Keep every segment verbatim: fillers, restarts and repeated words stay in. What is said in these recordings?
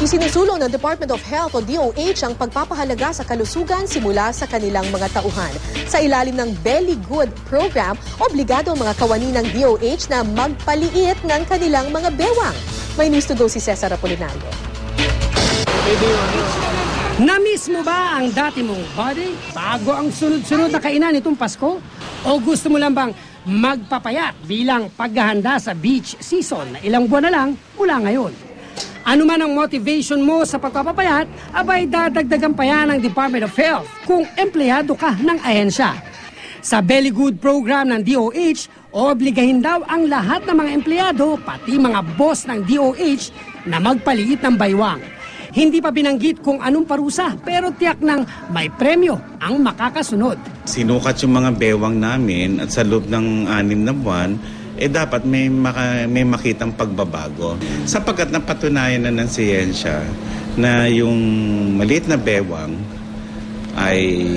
Isinusulong ng Department of Health o D O H ang pagpapahalaga sa kalusugan simula sa kanilang mga tauhan. Sa ilalim ng Belly Good program, obligado ang mga kawani ng D O H na magpaliit ng kanilang mga bewang. May news to go si Cesar Apolinario. Na-miss mo ba ang dati mong body bago ang sunod-sunod na kainan itong Pasko? O gusto mo lang bang magpapayat bilang paghahanda sa beach season na ilang buwan na lang mula ngayon? Ano man ang motivation mo sa pagpapapayat, abay dadagdagan pa yan ng Department of Health kung empleyado ka ng ahensya. Sa Belly Good program ng D O H, obligahin daw ang lahat ng mga empleyado, pati mga boss ng D O H, na magpaliit ng baywang. Hindi pa binanggit kung anong parusa, pero tiyak ng may premyo ang makakasunod. Sinukat yung mga bewang namin at sa loob ng anim na buwan, eh dapat may, maka, may makitang pagbabago. Sapagkat napatunayan na ng siyensya na yung maliit na bewang ay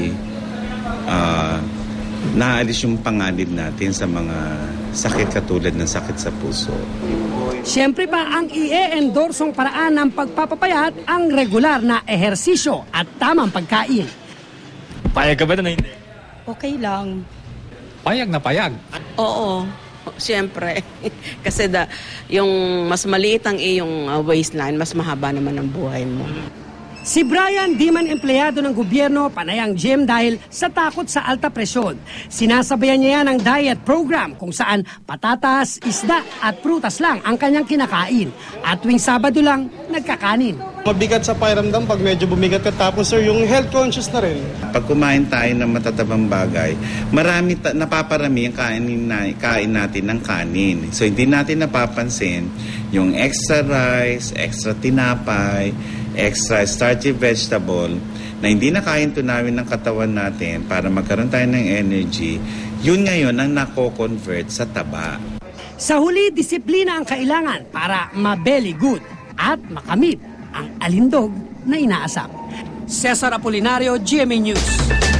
uh, naalis yung panganib natin sa mga sakit katulad ng sakit sa puso. Siyempre pa ang i-endorsong paraan ng pagpapapayat ang regular na ehersisyo at tamang pagkain. Payag ka ba na hindi? Okay lang. Payag na payag? Oo. Siyempre, kasi da, yung mas maliit ang iyong uh, waistline, mas mahaba naman ang buhay mo. Si Brian, di man empleyado ng gobyerno, panay ang gym dahil sa takot sa alta presyon. Sinasabayan niya yan ang diet program kung saan patatas, isda at prutas lang ang kanyang kinakain. At tuwing Sabado lang, nagkakanin. Mabigat sa pakiramdam pag medyo bumigat ka, tapos sir, yung health conscious na rin. Pag kumain tayo ng matatabang bagay, marami ta- napaparami ang kainin, na, kain natin ng kanin. So hindi natin napapansin yung extra rice, extra tinapay, extra starchy vegetable na hindi nakain tunawin ng katawan natin para magkaroon tayo ng energy, yun ngayon ang nako-convert sa taba. Sa huli, disiplina ang kailangan para ma-belly good at makamit ang alindog na inaasam. Cesar Apolinario, G M A News.